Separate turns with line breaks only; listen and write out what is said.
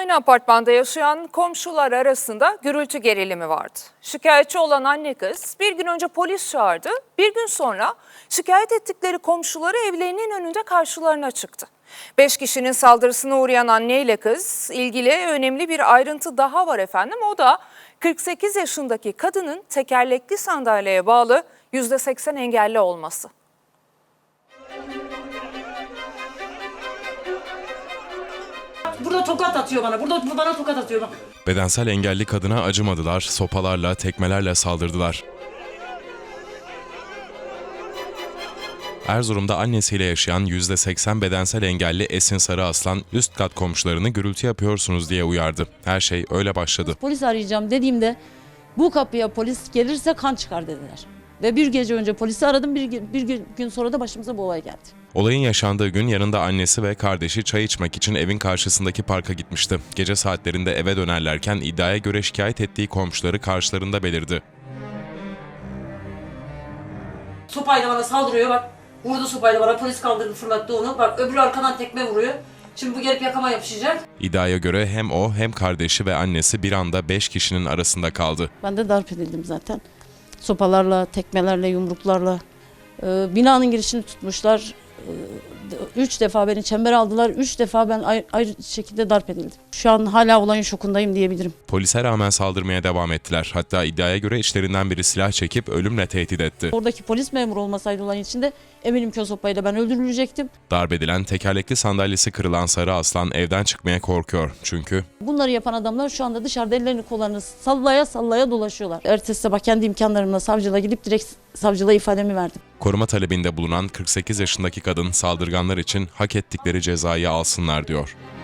Aynı apartmanda yaşayan komşular arasında gürültü gerilimi vardı. Şikayetçi olan anne kız bir gün önce polis çağırdı. Bir gün sonra şikayet ettikleri komşuları evlerinin önünde karşılarına çıktı. 5 kişinin saldırısına uğrayan anne ile kız ilgili önemli bir ayrıntı daha var efendim. O da 48 yaşındaki kadının tekerlekli sandalyeye bağlı %80 engelli olması.
Burada tokat atıyor bana. Burada bana tokat atıyor bak.
Bedensel engelli kadına acımadılar, sopalarla, tekmelerle saldırdılar. Erzurum'da annesiyle yaşayan %80 bedensel engelli Esin Sarıaslan üst kat komşularını gürültü yapıyorsunuz diye uyardı. Her şey öyle başladı.
Polis arayacağım dediğimde bu kapıya polis gelirse kan çıkar dediler. Ve bir gece önce polisi aradım, bir gün sonra da başımıza bu olay geldi.
Olayın yaşandığı gün yanında annesi ve kardeşi çay içmek için evin karşısındaki parka gitmişti. Gece saatlerinde eve dönerlerken iddiaya göre şikayet ettiği komşuları karşılarında belirdi.
Sopayla bana saldırıyor bak. Vurdu sopayla bana. Polis kaldırdı, fırlattı onu. Bak öbürü arkadan tekme vuruyor. Şimdi bu gelip yakama yapışacak.
İddiaya göre hem o hem kardeşi ve annesi bir anda 5 kişinin arasında kaldı.
Ben de darp edildim zaten. Sopalarla, tekmelerle, yumruklarla. Binanın girişini tutmuşlar. 3 defa beni çembere aldılar. 3 defa ben ayrı şekilde darp edildim. Şu an hala olayın şokundayım diyebilirim.
Polise rağmen saldırmaya devam ettiler. Hatta iddiaya göre içlerinden biri silah çekip ölümle tehdit etti.
Oradaki polis memuru olmasaydı olayın içinde eminim ki o sopayla ben öldürülecektim.
Darp edilen, tekerlekli sandalyesi kırılan Sarıaslan evden çıkmaya korkuyor. Çünkü
Bunları yapan adamlar şu anda dışarıda ellerini kollarını sallaya sallaya dolaşıyorlar. Ertesi sabah kendi imkanlarımla savcılığa gidip direkt savcılığa ifademi verdim.
koruma talebinde bulunan 48 yaşındaki kadın saldırganlar için hak ettikleri cezayı alsınlar diyor.